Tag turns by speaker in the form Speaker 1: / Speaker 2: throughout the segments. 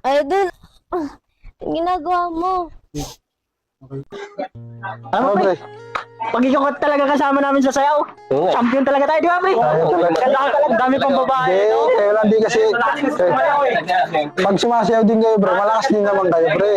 Speaker 1: Idol, yung ginagawa mo.
Speaker 2: Ano mo, pre? Pag ikaw talaga kasama namin sa sayaw, champion talaga tayo, di ba, pre? Ang dami pang babae, no?
Speaker 3: Kaya lang di kasi, pag sumasayaw din kayo, bro, malakas din naman kayo, pre.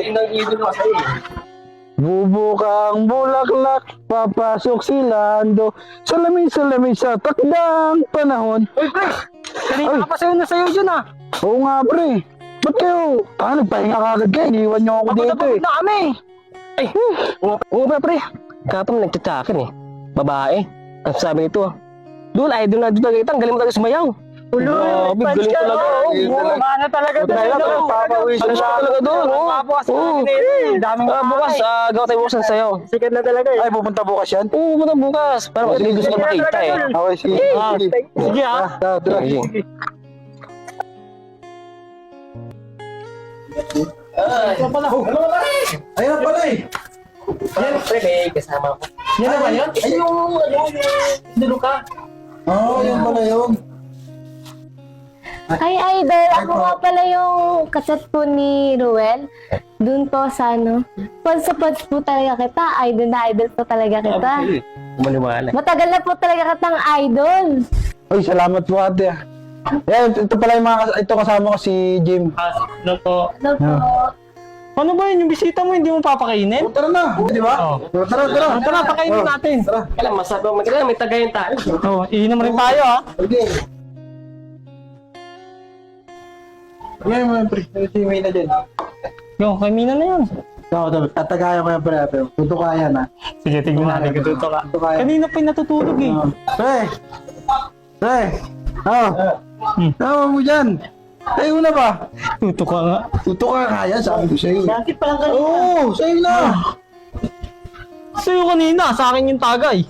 Speaker 3: Bubukang bulaklak, papasok si Lando, salamin sa takdang panahon.
Speaker 2: Uy, pre! Kanina ka pa sayo na sayo dyan, ah!
Speaker 3: Oo nga, pre. Ba't kayo? Nagpahinga ka agad kayo, iniwan niyo ako dito eh.
Speaker 2: Na kami! Ay, oo ba, pre? Kapag nagtsatsakin eh. Babae. Ang sabi nito, Dul, idol na dito kita, ang galing mo talaga sumayaw. Ulo, galing talaga. Mana talaga doon.
Speaker 3: Papawisan
Speaker 2: Ano talaga doon? Papawas ka daming bukas, gawa tayo bukas ng sayaw. Sikat na talaga eh.
Speaker 3: Ay, pupunta bukas yan?
Speaker 2: Oo, pumunta bukas. Parang kasi gusto ko makita eh.
Speaker 3: Okay, sige.
Speaker 2: Sige ah.
Speaker 3: Tara. Ayun pala eh.
Speaker 2: Yan, pre, may kasama ko. Yan na ba yun? Ay, yung ka.
Speaker 3: Oo, yun pala yun.
Speaker 1: Hi, Idol. Ako nga pala yung kaset po ni Ruel. Doon po sa ano. Pods po talaga kita. Idol na idol po talaga kita.
Speaker 2: Maniwala.
Speaker 1: Matagal na po talaga kitang idol.
Speaker 3: Ay, salamat po ate. Yan, ito pala yung ito kasama ko si Jim.
Speaker 2: Ano po?
Speaker 1: Hello po.
Speaker 2: Ano ba yun? Yung bisita mo, hindi mo papakainin?
Speaker 3: Tara na, di ba?
Speaker 2: Tara, pakainin natin.
Speaker 3: Tara.
Speaker 2: Kailan masabi mo, may tagayin tayo. Oo, iinom rin tayo ha.
Speaker 3: Okay. Ngayon mo yung pre, si May na dyan.
Speaker 2: Yo, kay Mina na yun.
Speaker 3: Tatagayan ko yung pre ate. Tutukayan ha.
Speaker 2: Sige, tignan natin kung totoo ka. Kanina pa yung natutulog eh.
Speaker 3: Pre! Tama mo dyan! Sa'yo na ba?
Speaker 2: Tutok ka nga.
Speaker 3: Tutuka kaya, sabi ko sa'yo.
Speaker 2: Bakit pa lang kanina?
Speaker 3: Oo, sa'yo na!
Speaker 2: Sa'yo kanina, sa akin yung tagay.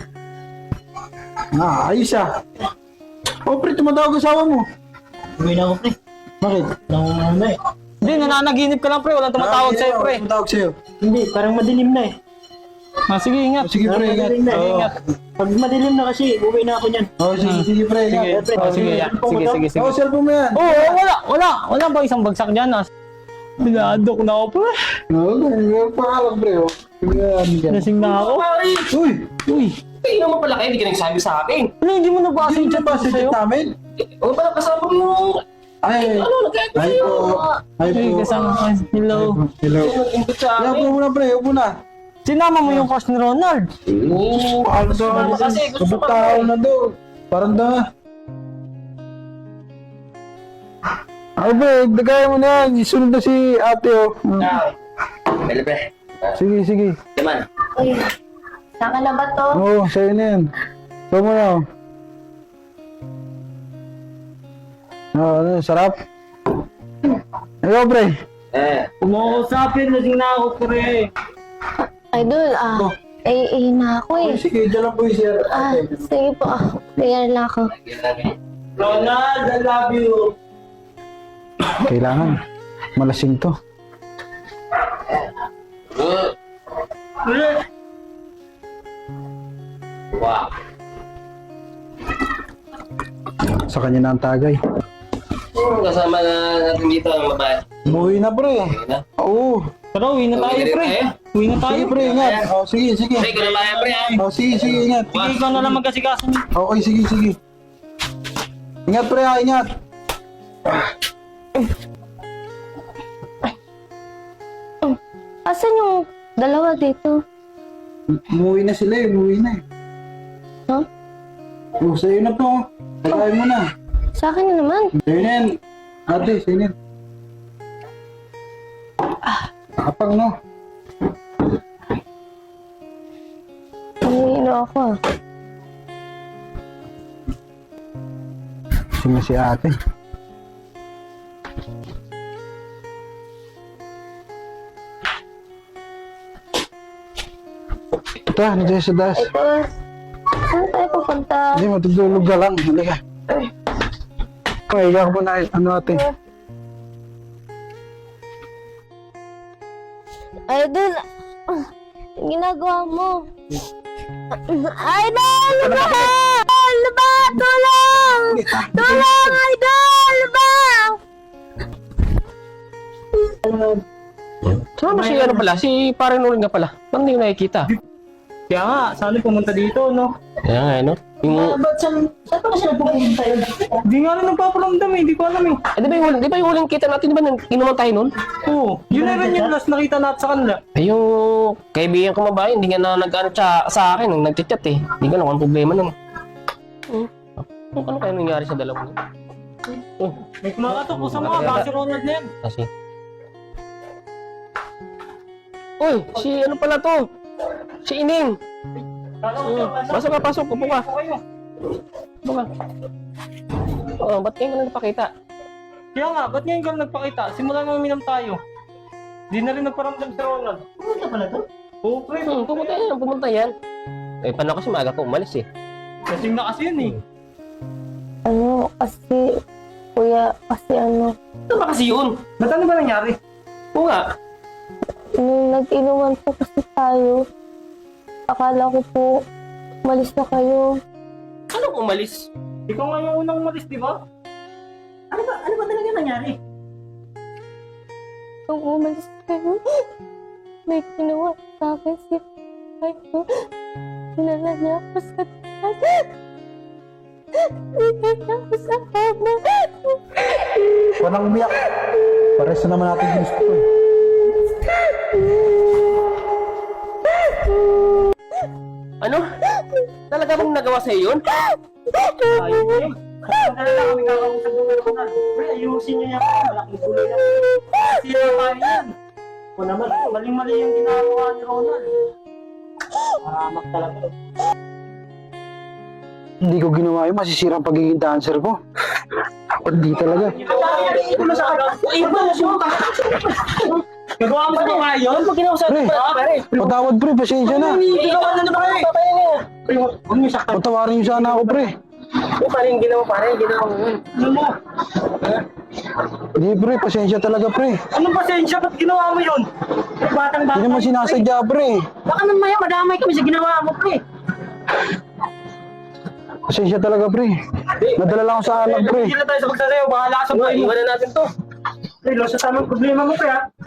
Speaker 3: Ayos ah. Oh pre, tumatawag asawa mo.
Speaker 2: Uwi na ako, pre.
Speaker 3: Bakit?
Speaker 2: Nangungunan eh. Hindi, nananaginip ka lang, pre. Walang tumatawag sa'yo, pre.
Speaker 3: Tumatawag sa'yo.
Speaker 2: Hindi, parang madilim na eh. Sige, ingat.
Speaker 3: Sige pre, ingat.
Speaker 2: Ingat. Pag madilim na kasi, uwi na ako niyan.
Speaker 3: Sige pre, ingat.
Speaker 2: Sige.
Speaker 3: Oh, cellphone mo yan.
Speaker 2: Wala ba isang bagsak dyan, ah? Binadok na ako, pre.
Speaker 3: Oo, pangalan pre.
Speaker 2: Lasing na ako.
Speaker 3: Uy!
Speaker 2: Tingnan mo pala kayo, hindi ka nagsabi sa akin. Ano, hindi mo nabasa yung chat
Speaker 3: ba sa
Speaker 2: sa'yo?
Speaker 3: chat namin?
Speaker 2: O, parang kasama mo yung...
Speaker 3: Ay po.
Speaker 2: Ay, kasama ka. Hello. Nag-input sa
Speaker 3: Upo
Speaker 2: akin.
Speaker 3: muna pre, upo na.
Speaker 2: Sinama mo yung coach ni Ronald.
Speaker 3: Oo, ano daw?
Speaker 2: Kasi gusto ko
Speaker 3: Kabutao na daw. Parang da. Ay pre, dagaya mo na yan. Isunod na si ate oh.
Speaker 2: Pwede, pre.
Speaker 3: Sige.
Speaker 2: Naman.
Speaker 1: Uy, saan ka na ba to?
Speaker 3: Oo, sa'yo na yan. Ito mo na oh. Ano, sarap? Ayaw pre.
Speaker 2: Kung mo usapin, lasing na ako, pre.
Speaker 1: Idol, na ako eh.
Speaker 3: Sige, dyan lang po yung sir.
Speaker 1: Sige po. Clear na ako.
Speaker 2: Ronald, I love you.
Speaker 3: Kailangan. Malasing to.
Speaker 2: Wow.
Speaker 3: Sa kanya na ang tagay.
Speaker 2: Kasama na natin dito ang babae.
Speaker 3: Umuwi na pre. Oo.
Speaker 2: Tara, uwi na tayo, pre. Uwi na tayo.
Speaker 3: Sige pre, ingat. Oh, sige.
Speaker 2: Pre, kung na pre.
Speaker 3: Oh, sige, ingat.
Speaker 2: Sige, ikaw na lang magkasikaso niyo.
Speaker 3: Okay, sige. Ingat pre, ingat.
Speaker 1: Asan yung dalawa dito?
Speaker 3: Umuwi na sila umuwi na eh.
Speaker 1: Huh?
Speaker 3: Oh, sa'yo na po. Tagay mo na.
Speaker 1: Sa akin na naman.
Speaker 3: Sa'yo na yan. Ate, sa'yo na yan. Kapang no.
Speaker 1: Umiino ako ah.
Speaker 3: Sino si ate? Ito, nandiyan sa das.
Speaker 1: Ito, saan tayo pupunta?
Speaker 3: Hindi, matutulog ka lang. Halika. Okay, ikaw mo na. Ano ate?
Speaker 1: Idol, yung ginagawa mo. Idol, laba! Laba! Tulong! Tulong, Idol! Laba!
Speaker 2: Saan si ano pala? Si pare Norin nga pala. Ba't hindi ko nakikita?
Speaker 4: Kaya nga, sana pumunta dito, no?
Speaker 2: Kaya nga, ano? Yung...
Speaker 4: Ba't saan pa kasi pupunta yun? Hindi nga rin nagpaparamdam eh, hindi ko alam eh.
Speaker 2: di ba yung huling kita natin, di ba inuman tayo nun?
Speaker 4: Oo, yun na rin yung last nakita natin sa kanila.
Speaker 2: Eh, yung kaibigan ko mabahay, hindi nga na nag-ano sa akin, nung nag-chat eh. Hindi ko alam kung problema nun. Ano kaya nangyari sa dalawa nun?
Speaker 4: May kumakatok po sa mga, baka si Ronald na yan.
Speaker 2: Kasi... Uy, si ano pala to? Si Ining. Pasok ka, pasok. Upo ka. Upo ka. Oo, ba't ngayon ka na napakita?
Speaker 4: Kaya nga, ba't ngayon ka nagpakita? Simula nang uminom tayo. Di na rin nagparamdam si Ronald. Pumunta pala to? Oo, pre.
Speaker 2: Pumunta yan. Eh, paano kasi maaga ko umalis eh.
Speaker 4: Kasing na kasi yun eh.
Speaker 1: Ano, kasi, kuya, kasi ano,
Speaker 2: Ano ba kasi yun?
Speaker 4: Ba't ano ba nangyari?
Speaker 2: Oo nga.
Speaker 1: nung nag-inuman po kasi tayo, akala ko po, umalis na kayo.
Speaker 2: Anong umalis?
Speaker 4: Ikaw nga yung unang umalis, di ba? Ano ba talaga nangyari?
Speaker 1: Nung umalis kayo, may ginawa sa akin si Kayo. Sinala niya ako sa taas. Sinala niya ako sa kama.
Speaker 3: Walang umiyak. Pares na naman natin gusto ko eh.
Speaker 2: Ano? Talaga bang nagawa sa'yo yun?
Speaker 4: Ayun na yun. Kapag na kami kakausap ng Ronald. Pre, ayusin niyo yan. Malaking tuloy na. Kasi yung tayo yan. O naman, maling-mali yung ginagawa ni Ronald. Maramak talaga.
Speaker 3: Hindi ko ginawa yun, masisira ang pagiging dancer ko. Hindi talaga.
Speaker 4: Nagawa mo ba nga yun?
Speaker 2: Pag ginawa sa'yo,
Speaker 3: Pre, patawad pre, pasensya na.
Speaker 4: Nagawa na naman eh. Huwag mo saktan.
Speaker 3: Patawarin niyo sana ako pre.
Speaker 2: Paano yung ginawa pare? Ginawa mo yun.
Speaker 4: Ano mo?
Speaker 3: Hindi pre, pasensya talaga pre.
Speaker 4: Anong pasensya? Ba't ginawa mo yun? Batang-bata.
Speaker 3: Hindi naman sinasadya pre.
Speaker 4: Baka naman maya, madamay kami sa ginawa mo, pre.
Speaker 3: Pasensya talaga pre. Nadala lang ako sa anak pre.
Speaker 4: Hindi na tayo sa pagsasayaw. Bahala ka sa buhay mo.
Speaker 2: Iwanan natin to.
Speaker 4: Pre, lo sa tamang problema mo, pre, ha?